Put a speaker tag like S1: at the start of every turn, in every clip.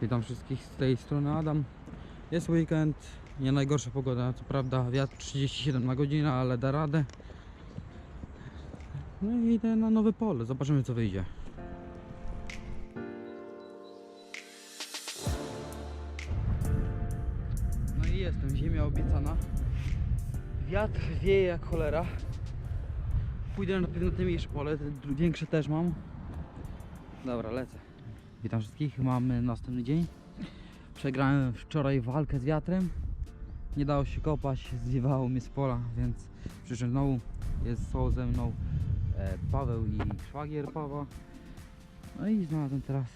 S1: Witam wszystkich z tej strony Adam. Jest weekend, nie najgorsza pogoda, co prawda wiatr 37 na godzinę, ale da radę. No i idę na nowe pole, zobaczymy co wyjdzie. No i jestem, ziemia obiecana. Wiatr wieje jak cholera. Pójdę na pewno te mniejsze pole, te większe też mam. Dobra, lecę. Witam wszystkich, mamy następny dzień. Przegrałem wczoraj walkę z wiatrem. Nie dało się kopać, zwiewało mnie z pola, więc przyszedłem znowu. Są ze mną Paweł i szwagier Pawła. No i znalazłem teraz.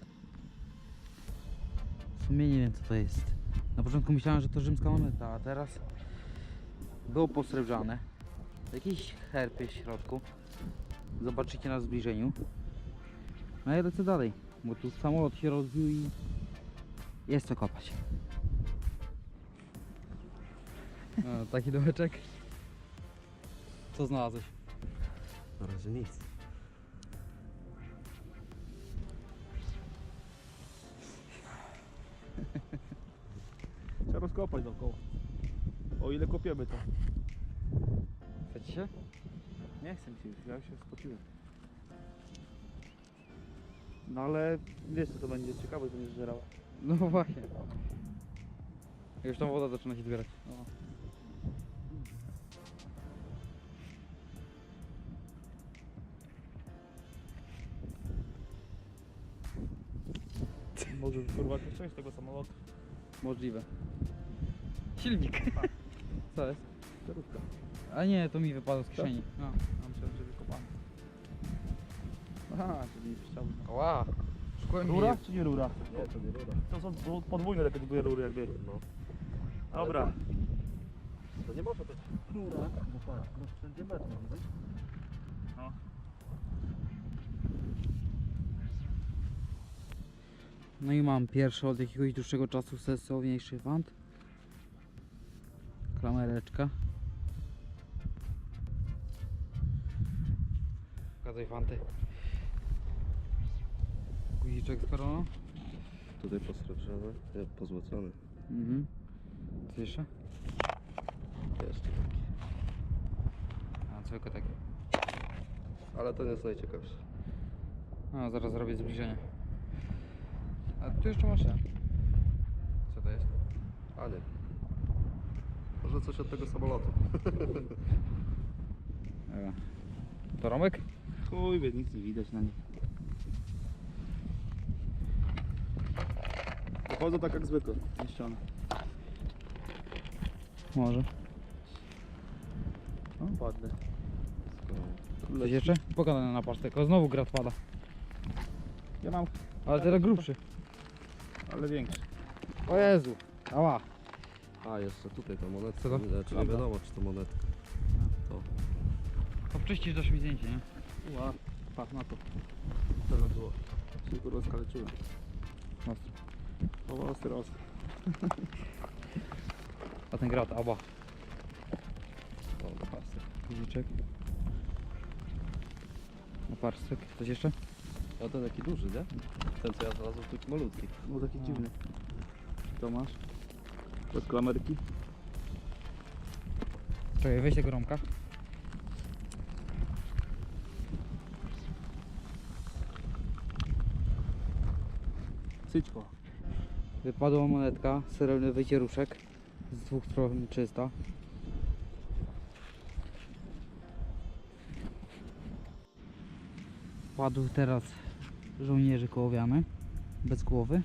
S1: W sumie nie wiem co to jest. Na początku myślałem, że to rzymska moneta, a teraz było posrebrzane. Jakiś herb jest w środku. Zobaczycie na zbliżeniu. No i lecę dalej, bo tu samolot się rozbił i jest co kopać. No, taki dołeczek. Co znalazłeś?
S2: Na razie nic.
S3: Trzeba rozkopać dookoła. O ile kopiemy to.
S1: Chcecie się?
S3: Nie chcę mi się już, ja się spociłem. No ale wiesz co to będzie, ciekawe to będzie zżerała.
S1: No właśnie. Już tam woda zaczyna się zbierać.
S3: No. Może kurwa jakąś część tego samolotu.
S1: Możliwe. Silnik. Co jest?
S3: Kierówka.
S1: A nie, to mi wypadło z kieszeni. No.
S3: A myślałem, że wykopany. Aha, czyli chciałby.
S1: Ła. Szkłem
S3: Rura czy nie rura?
S2: Nie, to nie rura.
S3: To są podwójne takie dwie rury jakby.
S2: No.
S3: Dobra.
S2: To nie może być rura, bo patrz, no wszędzie metr, widzisz?
S3: No.
S1: No i mam pierwszy od jakiegoś dłuższego czasu sensowniejszy wand. Klamereczka. Pokazuj fanty. Guziczek z koroną.
S2: Tutaj posrebrzony, nie, pozłocony.
S1: Mhm. Co jeszcze?
S2: Jeszcze taki.
S1: A, tylko takie.
S2: Ale to nie jest najciekawsze.
S1: A, zaraz zrobię zbliżenie. A tu jeszcze masz ten. Co to jest?
S2: A nie. Może coś od tego samolotu.
S1: Dobra. To Romek?
S3: Chuj wie, nic nie widać na nim. Dochodzą tak jak zwykle, niszczone.
S1: Może.
S3: No ładne.
S1: Coś jeszcze? Pogadane na pasztek. O, znowu grat pada.
S3: Ja mam,
S1: Ale teraz grubszy.
S3: ale większy.
S1: O Jezu. Ała.
S2: A, jeszcze tutaj ta monetka.
S1: Co to?
S2: Czy nie
S1: Prawda.
S2: wiadomo, czy to monetka. To.
S1: To wczyścisz dasz mi zdjęcie, nie?
S3: Ła, patrz na to. Tyle było. Się kurwa skaleczyłem.
S1: Ostro.
S3: O, ostry, ostry.
S1: A ten grat, aba.
S2: O, pasy.
S1: Guziczek. Oparstek. Coś jeszcze?
S2: A ten taki duży, nie? Ten co ja znalazłem, taki malutki.
S3: Był taki
S1: No.
S3: dziwny. To masz? Bez klamerki.
S1: Czekaj, weź tego Romka.
S3: Syćko.
S1: Wypadła monetka, srebrny wycieruszek. Z dwóch stron czysta. Padł teraz żołnierzy kołowiany. Bez głowy.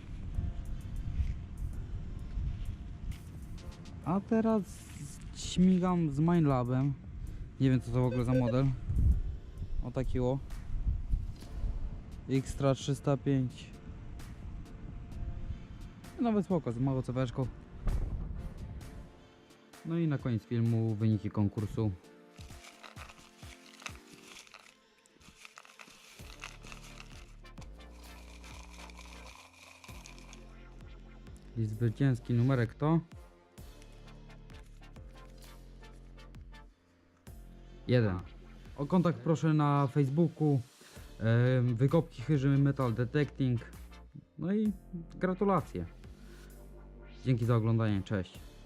S1: A teraz śmigam z Minelabem. Nie wiem co to w ogóle za model. O taki o. Xtra 305. Nawet spoko, z małą ceweczką. No i na koniec filmu wyniki konkursu. I zwycięski numerek to 1. O kontakt proszę na Facebooku. Wykopki Chyży Metal Detecting. No i gratulacje. Dzięki za oglądanie, cześć.